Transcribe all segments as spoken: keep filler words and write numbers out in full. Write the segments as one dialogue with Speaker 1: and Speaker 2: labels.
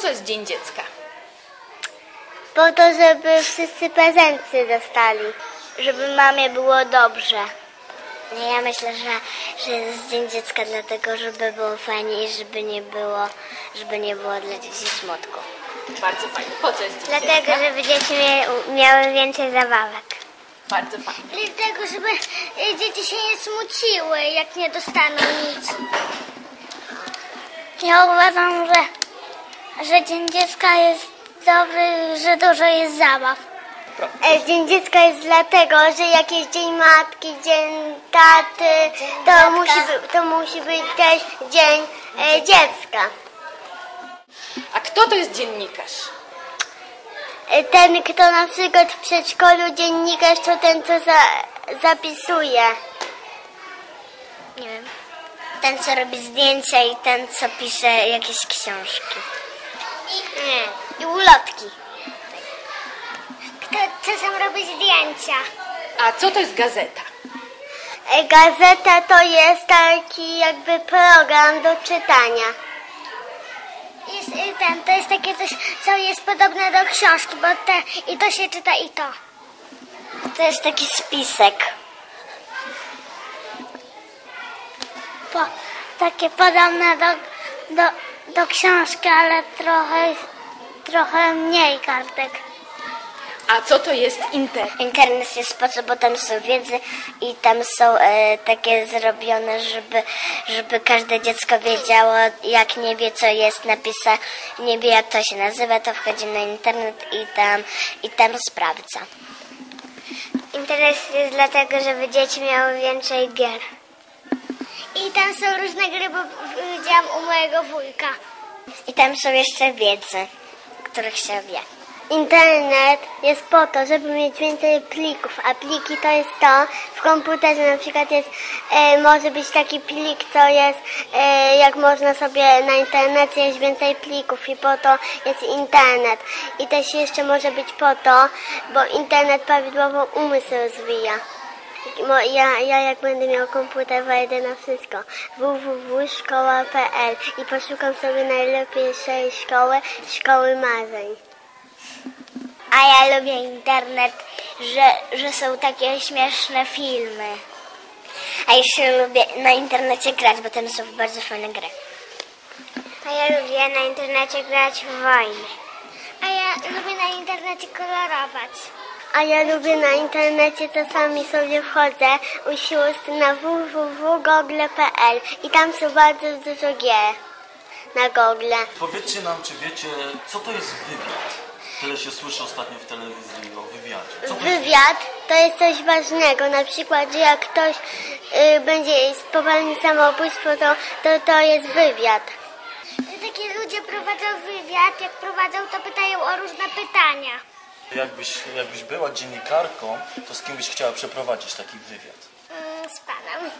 Speaker 1: co jest Dzień Dziecka?
Speaker 2: Po to, żeby wszyscy prezenty dostali, żeby mamie było dobrze. Ja myślę, że, że jest Dzień Dziecka dlatego, żeby było fajnie i żeby nie było, żeby nie było dla dzieci smutku.
Speaker 1: Bardzo fajnie. Po co jest Dzień
Speaker 2: Dlatego,
Speaker 1: Dziecka?
Speaker 2: żeby dzieci mia- miały więcej zabawek.
Speaker 1: Bardzo fajnie.
Speaker 2: Dlatego, żeby dzieci się nie smuciły, jak nie dostaną nic. Ja uważam, że, że Dzień Dziecka jest dobry, że dużo jest zabaw. Dzień Dziecka jest dlatego, że jak jest Dzień Matki, Dzień Taty, to musi, by, to musi być też Dzień e, Dziecka.
Speaker 1: A kto to jest dziennikarz?
Speaker 2: Ten, kto na przykład w przedszkolu dziennikarz, to ten, co za, zapisuje. Nie wiem. Ten, co robi zdjęcia i ten, co pisze jakieś książki. I, nie. I ulotki. Kto czasem robi zdjęcia.
Speaker 1: A co to jest gazeta?
Speaker 2: Gazeta to jest taki jakby program do czytania. Jest ten, to jest takie coś, co jest podobne do książki, bo te, i to się czyta i to. To jest taki spisek. Po, takie podobne do, do, do książki, ale trochę, trochę mniej kartek.
Speaker 1: A co to jest internet?
Speaker 2: Internet jest po co, bo tam są wiedzy i tam są e, takie zrobione, żeby, żeby każde dziecko wiedziało, jak nie wie, co jest napisane, nie wie, jak to się nazywa, to wchodzi na internet i tam, i tam sprawdza. Internet jest dlatego, żeby dzieci miały więcej gier. I tam są różne gry, bo widziałam u mojego wujka. I tam są jeszcze wiedzy, których się wie. Internet jest po to, żeby mieć więcej plików, a pliki to jest to, w komputerze na przykład jest, e, może być taki plik, co jest, e, jak można sobie na internecie jest więcej plików i po to jest internet. I też jeszcze może być po to, bo internet prawidłowo umysł rozwija. Ja, ja jak będę miał komputer, wejdę na wszystko. w w w kropka szkoła kropka p l i poszukam sobie najlepszej szkoły, szkoły marzeń. A ja lubię internet, że, że są takie śmieszne filmy. A jeszcze lubię na internecie grać, bo tam są bardzo fajne gry. A ja lubię na internecie grać w wojny. A ja lubię na internecie kolorować. A ja lubię na internecie, czasami sobie wchodzę u sióstr na w w w kropka google kropka p l i tam są bardzo dużo gier na Google.
Speaker 3: Powiedzcie nam, czy wiecie, co to jest wywiad? Tyle się słyszy ostatnio w telewizji o wywiadzie. Co to
Speaker 2: Wywiad to jest coś ważnego, na przykład, że jak ktoś y, będzie popełnił samobójstwo, to, to to jest wywiad. Takie ludzie prowadzą wywiad, jak prowadzą, to pytają o różne pytania.
Speaker 3: Jakbyś, jakbyś była dziennikarką, to z kim byś chciała przeprowadzić taki wywiad?
Speaker 2: Mm, z panem.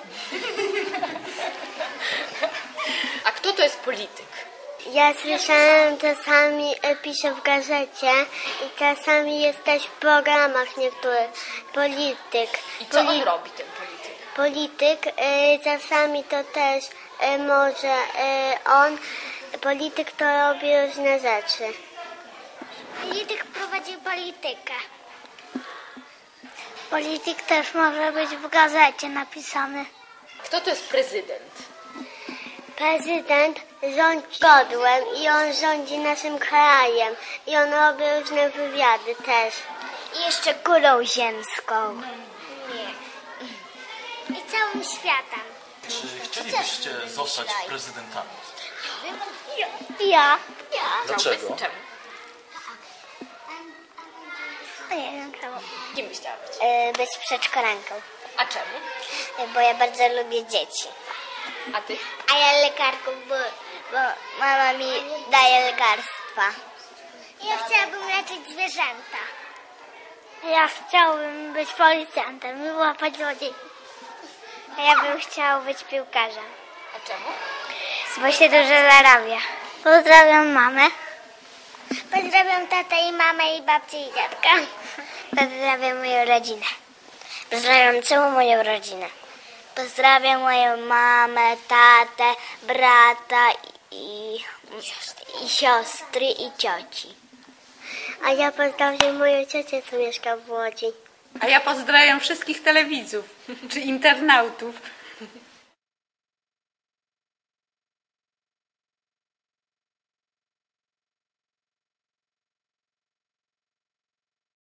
Speaker 1: A kto to jest polityk?
Speaker 2: Ja słyszałem, czasami piszę w gazecie i czasami jest też w programach niektórych. Polityk.
Speaker 1: I co on
Speaker 2: Poli-
Speaker 1: robi, ten polityk?
Speaker 2: Polityk, y, czasami to też y, może y, on, polityk to robi różne rzeczy. Polityk prowadzi politykę. Polityk też może być w gazecie napisany.
Speaker 1: Kto to jest prezydent?
Speaker 2: Prezydent rządzi godłem i on rządzi naszym krajem i on robi różne wywiady też. I jeszcze kulą ziemską. Nie. I całym światem.
Speaker 3: Czy chcielibyście zostać prezydentami?
Speaker 2: Ja. Ja.
Speaker 3: Dlaczego?
Speaker 1: Czemu?
Speaker 2: Nie wiem czemu.
Speaker 1: Kim byś chciała być?
Speaker 2: E, być przedszkolanką,
Speaker 1: A czemu?
Speaker 2: e, bo ja bardzo lubię dzieci.
Speaker 1: A ty?
Speaker 2: A ja lekarką, bo, bo mama mi daje lekarstwa. Ja chciałabym leczyć zwierzęta. Ja chciałbym być policjantem i łapać złodziei. A ja bym chciał być piłkarzem,
Speaker 1: A czemu?
Speaker 2: bo się dużo zarabia. Pozdrawiam mamę. Pozdrawiam tatę i mamę i babcię i dziadka. Pozdrawiam moją rodzinę. Pozdrawiam całą moją rodzinę. Pozdrawiam moją mamę, tatę, brata i, i siostry i cioci. A ja pozdrawiam moją ciocię, co mieszka w Łodzi.
Speaker 4: A ja pozdrawiam wszystkich telewidzów czy internautów.